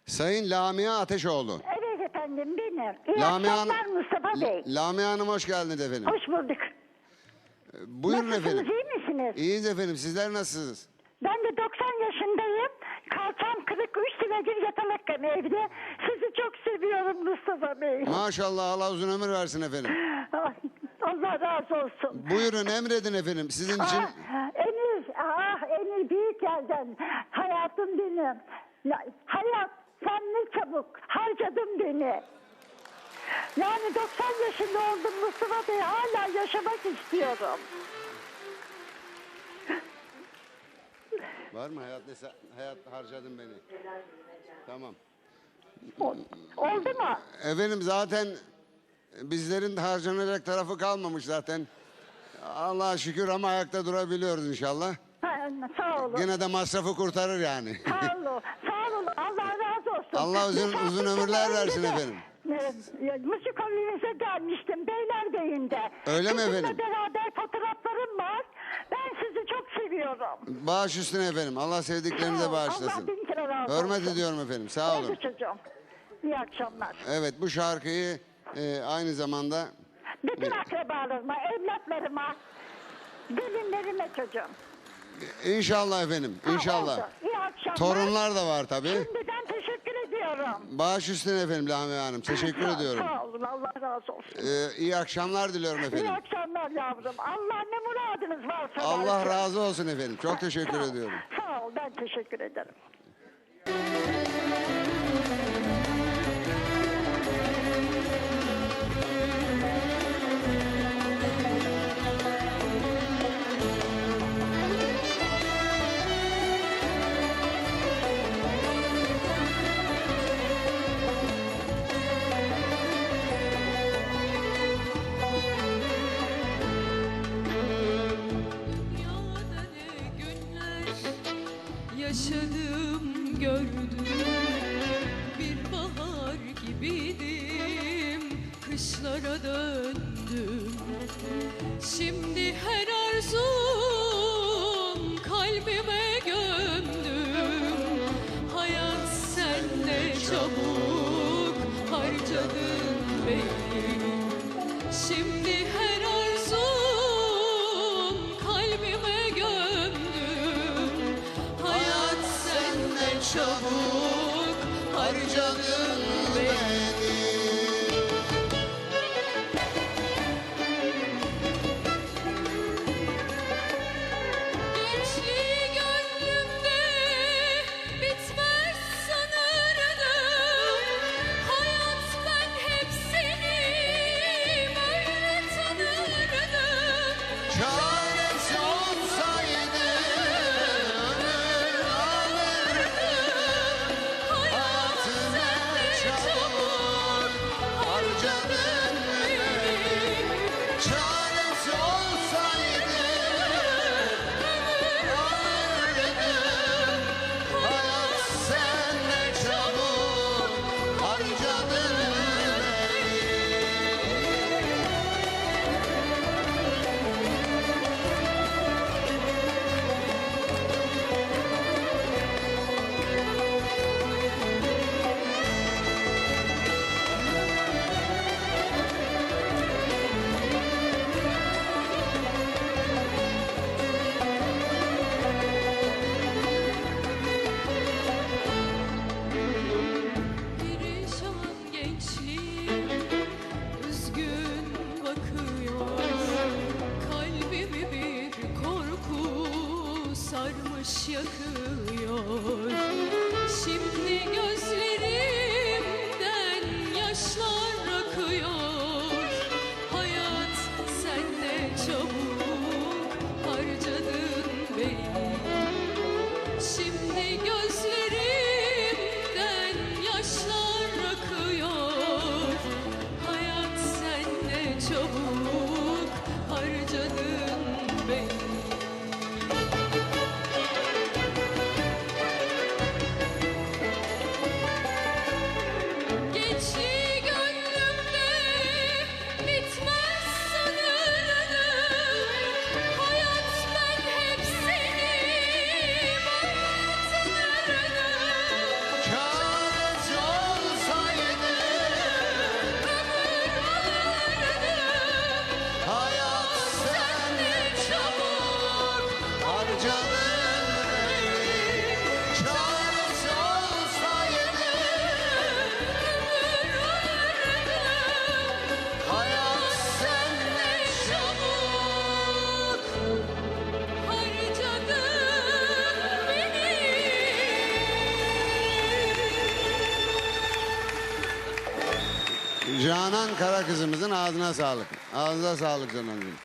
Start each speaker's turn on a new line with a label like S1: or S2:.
S1: Sayın Lamia Ateşoğlu.
S2: Evet efendim benim. İyi
S1: Lamia
S2: akşamlar Mustafa Bey.
S1: Lamia Hanım hoş geldiniz efendim.
S2: Hoş bulduk.
S1: Buyurun
S2: Nasılsınız,
S1: efendim.
S2: iyi misiniz?
S1: İyiyiz efendim. Sizler nasılsınız?
S2: Ben de 90 yaşındayım. Kalçam kırık, 3 senedir yatamaktayım evde. Sizi çok seviyorum Mustafa Bey.
S1: Maşallah, Allah uzun ömür versin efendim.
S2: Ay, Allah razı olsun.
S1: Buyurun, emredin efendim. Sizin için
S2: Emir büyük yerden. Hayatım benim. Hayat, sen ne çabuk harcadın beni. Yani 90 yaşında oldum Mustafa Bey, hala yaşamak istiyorum.
S1: var mı hayat harcadın beni? Tamam.
S2: Oldu mu?
S1: Efendim zaten bizlerin harcanacak tarafı kalmamış zaten. Allah'a şükür ama ayakta durabiliyoruz inşallah.
S2: Ha, sağ olun.
S1: Gene de masrafı kurtarır yani.
S2: Sağ olun. Sağ olun. Allah razı olsun.
S1: Allah uzun ömürler versin efendim.
S2: Müzik evinize gelmiştim Beylerbeyi'nde.
S1: Öyle mi efendim?
S2: Sizinle beraber fotoğraflarım var. Ben sizi çok seviyorum.
S1: Bağış üstüne efendim. Allah sevdiklerinize
S2: Sağ ol. Allah
S1: bağışlasın.
S2: bin kere razı olsun.
S1: Hürmet ediyorum efendim. Sağ olun.
S2: Evet çocuğum. İyi akşamlar.
S1: Evet, bu şarkıyı aynı zamanda
S2: Bütün akrabalarıma, evlatlarıma, gelinlerime çocuğum.
S1: inşallah efendim.
S2: Ha,
S1: İnşallah.
S2: oldu. İyi akşamlar.
S1: Torunlar da var tabii.
S2: Şimdiden teşekkür ediyorum.
S1: Bağış üstüne efendim Lamia Hanım. Teşekkür ediyorum.
S2: Sağ olun. Allah razı olsun.
S1: İyi akşamlar diliyorum
S2: İyi
S1: efendim.
S2: akşamlar yavrum. Allah ne muradınız varsa
S1: Allah
S2: versin.
S1: razı olsun efendim. Çok teşekkür
S2: Sağ ol.
S1: ediyorum.
S2: Sağ ol. Ben teşekkür ederim.
S3: Dünyada ne günler yaşadım gördüm. Bir bahar gibiydim, kışlara döndüm. Şimdi her arzum kalbime gömdüm. Hayat sen ne çabuk harcadın beni. Şimdi her arzum kalbime gömdüm. Hayat sen ne çabuk harcadın beni. Gençliği gönlümde bitmez sanırdım. Hayat ben hep seni böyle tanırdım.
S1: Çaresi olsaydı ömür alırdım. Hayatını çabuk harcadın beni. Çaresi olsaydı ömür alırdım. Hayat sen ne çabuk harcadın beni.
S3: Perişan gençliğim üzgün bakıyor. Kalbimi bir korku sarmış yakıyor. Şimdi gözlerimden yaşlar akıyor. Hayat sen ne çabuk harcadın beni. Şimdi gözlerimden yaşlar akıyor. Hayat sen ne çabuk harcadın beni.
S1: Canan Karakızımızın ağzına sağlık. Ağzına sağlık Canancığım.